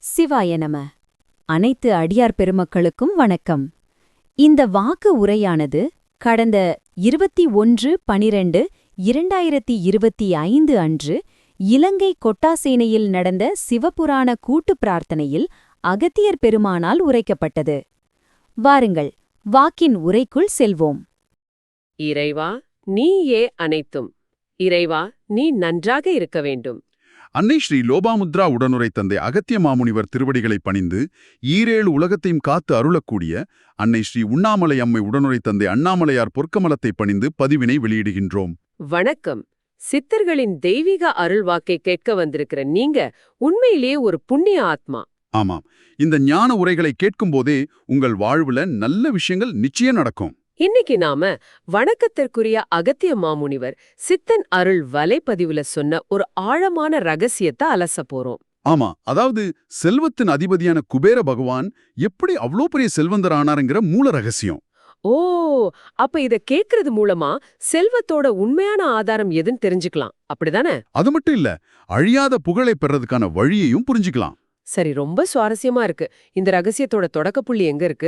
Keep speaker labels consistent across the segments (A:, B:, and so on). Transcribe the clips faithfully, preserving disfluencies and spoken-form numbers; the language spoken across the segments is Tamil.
A: சிவாய நம. அனைத்து அடியார் பெருமக்களுக்கும் வணக்கம். இந்த வாக்கு உரையானது கடந்த இருபத்தி ஒன்று பனிரெண்டு இரண்டாயிரத்தி இருபத்தி ஐந்து அன்று இலங்கை கொட்டாசேனையில் நடந்த சிவபுராண கூட்டுப் பிரார்த்தனையில் அகத்தியர் பெருமானால் உரைக்கப்பட்டது. வாருங்கள், வாக்கின் உரைக்குள் செல்வோம்.
B: இறைவா, நீயே அனைத்தும். இறைவா, நீ நன்றாக இருக்க வேண்டும்.
C: அன்னை ஸ்ரீ லோபாமுத்ரா உடனுரை தந்தை அகத்திய மாமுனிவர் திருவடிகளை பணிந்து ஈரேழு உலகத்தையும் காத்து அருளக்கூடிய அன்னை ஸ்ரீ உண்ணாமலை அம்மை உடனுரை தந்தை அண்ணாமலையார் பொற்கமலத்தை பணிந்து பதிவினை வெளியிடுகின்றோம்.
B: வணக்கம். சித்தர்களின் தெய்வீக அருள்வாக்கை கேட்க வந்திருக்கிற நீங்க உண்மையிலேயே ஒரு புண்ணிய ஆத்மா.
C: ஆமாம், இந்த ஞான உரைகளை கேட்கும்போதே உங்கள் வாழ்வுல நல்ல விஷயங்கள் நிச்சயம் நடக்கும்.
B: இன்னைக்கு நாம வணக்கத்திற்குரிய அகத்திய மாமுனிவர் சித்தன் அருள் வலைப்பதிவுல சொன்ன ஒரு ஆழமான ரகசியத்தை அலச போறோம்.
C: ஆமா, அதாவது செல்வத்தின் அதிபதியான குபேர பகவான் எப்படி அவ்வளோ பெரிய செல்வந்தர் ஆனாருங்கிற மூல ரகசியம்.
B: ஓ, அப்ப இத கேக்குறது மூலமா செல்வத்தோட உண்மையான ஆதாரம் எதுன்னு தெரிஞ்சுக்கலாம், அப்படிதானே?
C: அது மட்டும் இல்ல, அழியாத புகழை பெறதுக்கான வழியையும் புரிஞ்சுக்கலாம்.
B: சரி, ரொம்ப சுவாரஸ்யமா இருக்கு. இந்த ரகசியத்தோட தொடக்கப்புள்ளி எங்க இருக்கு?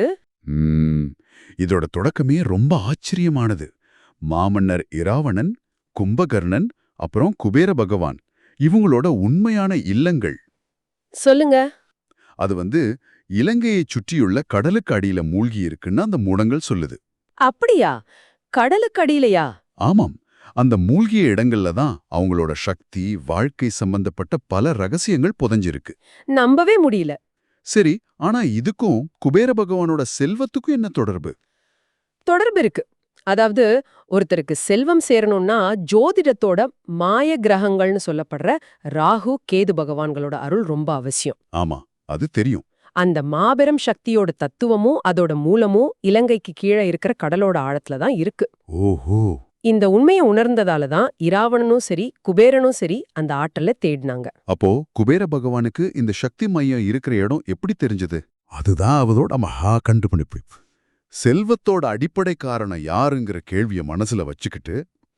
C: ம், இதோட தொடக்கமே ரொம்ப ஆச்சரியமானது. மாமன்னர் இராவணன், கும்பகர்ணன், அப்புறம் குபேர பகவான் இவங்களோட உண்மையான இல்லங்கள்.
B: சொல்லுங்க.
C: அது வந்து இலங்கையைச் சுற்றியுள்ள கடலுக்கு அடியில மூழ்கி இருக்குன்னு அந்த மூடங்கள் சொல்லுது.
B: அப்படியா? கடலுக்கு அடியிலையா?
C: ஆமாம், அந்த மூழ்கிய இடங்கள்ல தான் அவங்களோட சக்தி, வாழ்க்கை சம்பந்தப்பட்ட பல ரகசியங்கள் புதைஞ்சிருக்கு.
B: நம்பவே முடியல.
C: சரி, ஆனா இதுக்கும் குபேர பகவானோட செல்வத்துக்கும் என்ன தொடர்பு?
B: தொடர்பு இருக்கு. அதாவது ஒருத்தருக்கு செல்வம் சேரணும்னா ஜோதிடத்தோட மாய கிரகங்கள்னு சொல்லப்படுற ராகு கேது பகவான்களோட அருள் ரொம்ப அவசியம்.
C: ஆமா, அது தெரியும்.
B: அந்த மாபெரும் சக்தியோட தத்துவமும் அதோட மூலமும் இலங்கைக்கு கீழே இருக்கிற கடலோட ஆழத்துல தான் இருக்கு.
C: ஓஹோ.
B: இந்த உண்மையை உணர்ந்ததால தான் இராவணனும் சரி குபேரனும் சரி அந்த ஆற்றலை தேடினாங்க.
C: அப்போ குபேர பகவானுக்கு இந்த சக்தி மையம் இருக்கிற இடம் எப்படி தெரிஞ்சது? அதுதான் அவரோட மகா கண்டுபிடிப்பு. செல்வத்தோட அடிப்படை காரணம் யாருங்கிற கேள்விய மனசுல வச்சுக்கிட்டு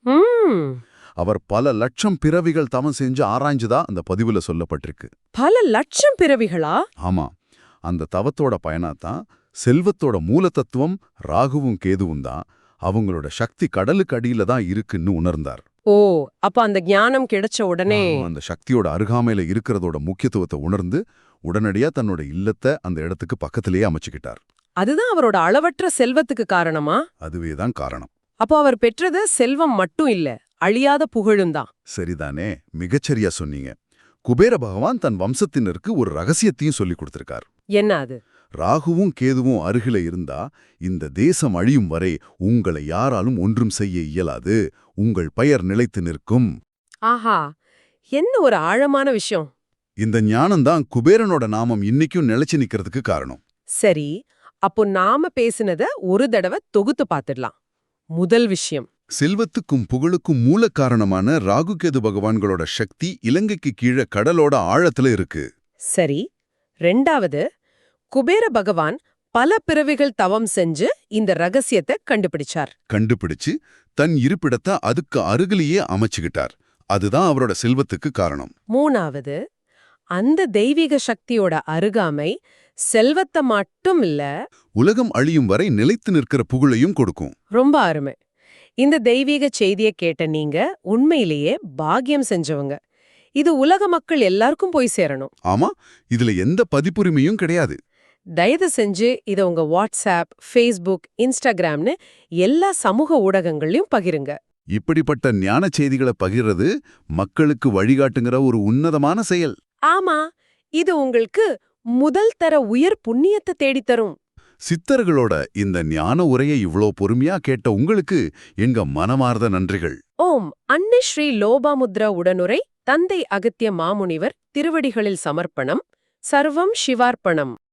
C: அவர் பல லட்சம் பிறவிகள் தவம் செஞ்சு ஆராய்ஞ்சுதா அந்த பதிவுல சொல்லப்பட்டிருக்கு.
B: பல லட்சம் பிறவிகளா?
C: ஆமா, அந்த தவத்தோட பயனாத்தான் செல்வத்தோட மூல தத்துவம் ராகுவும் கேதுவும் தான், அவங்களோட சக்தி கடலுக்கு அடியில தான் இருக்குன்னு உணர்ந்தார்.
B: ஓ, அப்ப அந்த ஞானம் கிடைச்ச உடனே
C: அந்த சக்தியோட அருகாமையில இருக்கிறதோட முக்கியத்துவத்தை உணர்ந்து உடனடியா தன்னோட இல்லத்தை அந்த இடத்துக்கு பக்கத்திலேயே அமைச்சுக்கிட்டார்.
B: அதுதான் அவரோட அளவற்ற செல்வத்துக்கு காரணமா?
C: அதுவேதான் காரணம்.
B: அப்போ அவர் பெற்றது செல்வம் மட்டும் இல்ல, அழியாத புகழும் தான்.
C: சரிதானே, மிகச்சரியா சொன்னீங்க. குபேர பகவான் தன் வம்சத்தினருக்கு ஒரு ரகசியத்தையும் சொல்லிக் கொடுத்திருக்கார்.
B: என்ன அது?
C: ராகுவும் கேதுவும் அருகில இருந்தா இந்த தேசம் அழியும் வரை உங்களை யாராலும் ஒன்றும் செய்ய இயலாது, உங்கள் பெயர் நிலைத்து நிற்கும்.
B: ஆஹா, என்ன ஒரு ஆழமான விஷயம்.
C: இந்த ஞானம்தான் குபேரனோட நாமம் இன்னைக்கும் நிலைச்சு நிக்கிறதுக்கு காரணம்.
B: சரி, அப்போ நாம பேசினத ஒரு தடவை தொகுத்து பார்த்துடலாம். முதல் விஷயம்,
C: செல்வத்துக்கும் புகழுக்கும் மூல காரணமான ராகுகேது பகவான்களோட சக்தி இலங்கைக்கு கீழே கடலோட ஆழத்துல இருக்கு.
B: சரி. ரெண்டாவது, குபேர பகவான் பல பிறவிகள் தவம் செஞ்சு இந்த ரகசியத்தை கண்டுபிடிச்சார்.
C: கண்டுபிடிச்சு தன் இருப்பிடத்தை அதுக்கு அருகிலேயே அமைச்சுக்கிட்டார். அதுதான் அவரோட செல்வத்துக்கு காரணம்.
B: மூணாவது, அந்த தெய்வீக சக்தியோட அருகாமை செல்வத்தை மட்டும் இல்ல,
C: உலகம் அழியும் வரை நிலைத்து நிற்கிற புகழையும் கொடுக்கும்.
B: ரொம்ப அருமை. இந்த தெய்வீக செய்தியை கேட்ட நீங்க உண்மையிலேயே பாக்கியம் செஞ்சவங்க. இது உலக மக்கள் எல்லாருக்கும் போய் சேரணும்.
C: ஆமா, இதுல எந்த பதிப்புரிமையும் கிடையாது.
B: தயவு செஞ்சு இதை உங்க வாட்ஸ்அப், ஃபேஸ்புக், இன்ஸ்டாகிராம்னு எல்லா சமூக ஊடகங்களையும் பகிருங்க. இப்படிப்பட்ட
C: ஞான செய்திகளை பகிர்றது மக்களுக்கு வழிகாட்டுங்கிற ஒரு உன்னதமான செயல்.
B: ஆமா, இது உங்களுக்கு முதல் தர உயர் புண்ணியத்தை தேடித்தரும்.
C: சித்தர்களோட இந்த ஞான உரையை இவ்ளோ பொறுமையா கேட்ட உங்களுக்கு எங்க மனமார்ந்த நன்றிகள்.
B: ஓம். அன்னை ஸ்ரீ லோபாமுத்ரா உடனுரை தந்தை அகத்திய மாமுனிவர் திருவடிகளில் சமர்ப்பணம். சர்வம் சிவார்ப்பணம்.